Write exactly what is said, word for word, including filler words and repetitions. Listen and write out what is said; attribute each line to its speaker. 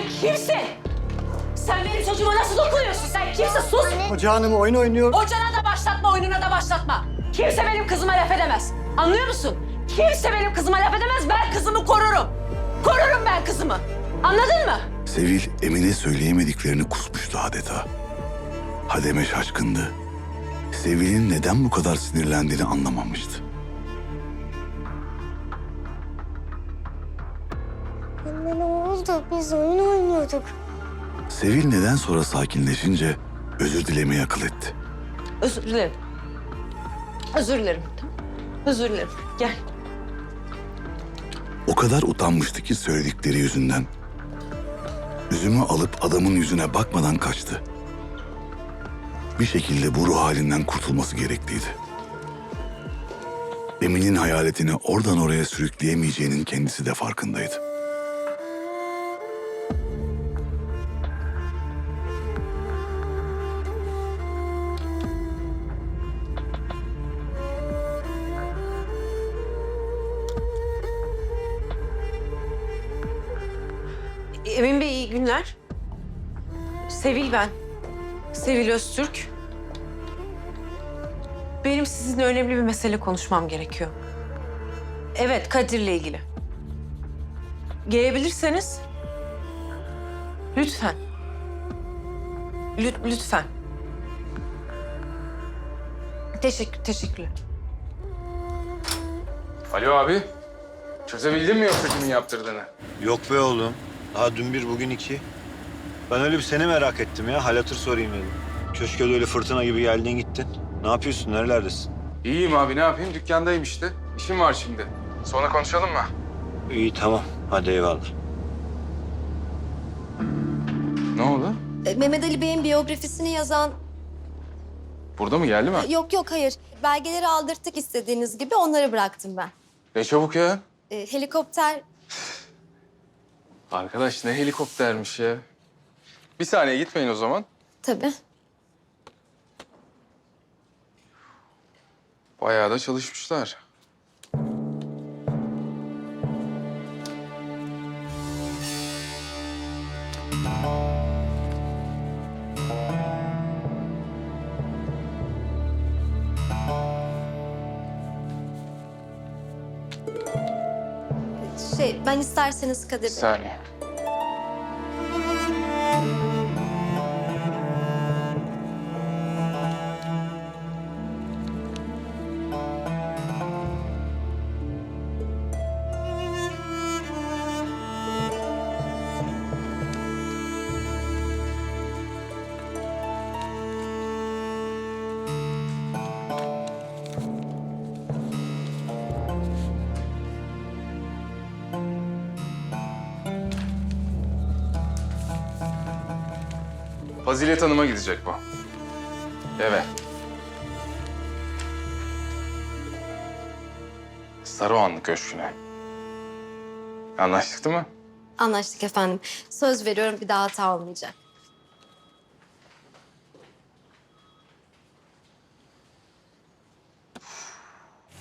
Speaker 1: kimsin? Sen benim çocuğuma nasıl dokunuyorsun? Sen kimsin? Sus!
Speaker 2: Hoca hanım oyun oynuyor.
Speaker 1: Ocağına da başlatma, oyununa da başlatma. Kimse benim kızıma laf edemez. Anlıyor musun? Kimse benim kızıma laf edemez. Ben kızımı korurum. Korurum ben kızımı. Anladın mı?
Speaker 3: Sevil, Emine söyleyemediklerini kusmuştu adeta. Hademe şaşkındı. Sevil'in neden bu kadar sinirlendiğini anlamamıştı.
Speaker 4: Anne ne oldu? Biz oyun oynuyorduk.
Speaker 3: Sevil neden sonra sakinleşince özür dilemeyi akıl etti.
Speaker 1: Özür dilerim. Özür dilerim. Tamam. Özür dilerim. Gel.
Speaker 3: O kadar utanmıştı ki söyledikleri yüzünden. Üzümü alıp adamın yüzüne bakmadan kaçtı. Bir şekilde bu ruh halinden kurtulması gerekliydi. Emin'in hayaletini oradan oraya sürükleyemeyeceğinin kendisi de farkındaydı.
Speaker 1: Emin Bey iyi günler. Sevil ben. Sevil Öztürk. Benim sizinle önemli bir mesele konuşmam gerekiyor. Evet, Kadir'le ilgili. Gelebilirseniz lütfen. Lüt, lütfen. Teşekkür, teşekkürler.
Speaker 5: Alo abi. Çözebildin mi yoksa kimin yaptırdığını?
Speaker 6: Yok be oğlum. Daha dün bir, bugün iki. Ben öyle bir seni merak ettim ya. Hal hatır sorayım dedim. Köşke de öyle fırtına gibi geldin gittin. Ne yapıyorsun? Nerelerdesin?
Speaker 5: İyiyim abi ne yapayım? Dükkandayım işte. İşim var şimdi. Sonra konuşalım mı?
Speaker 6: İyi tamam. Hadi eyvallah.
Speaker 5: Ne oldu?
Speaker 4: E, Mehmet Ali Bey'in biyografisini yazan...
Speaker 5: Burada mı geldi mi?
Speaker 4: Yok yok hayır. Belgeleri aldırttık istediğiniz gibi onları bıraktım ben.
Speaker 5: Ne çabuk ya.
Speaker 4: E, helikopter...
Speaker 5: Arkadaş ne helikoptermiş ya. Bir saniye gitmeyin o zaman.
Speaker 4: Tabii.
Speaker 5: Bayağı da çalışmışlar.
Speaker 4: Şey ben isterseniz Kadir
Speaker 5: Bir
Speaker 4: Bey.
Speaker 5: saniye. Fazilet Hanım'a gidecek bu. Evet. Saruhanlı Köşkü'ne. Anlaştık değil mi?
Speaker 4: Anlaştık efendim. Söz veriyorum bir daha hata olmayacak.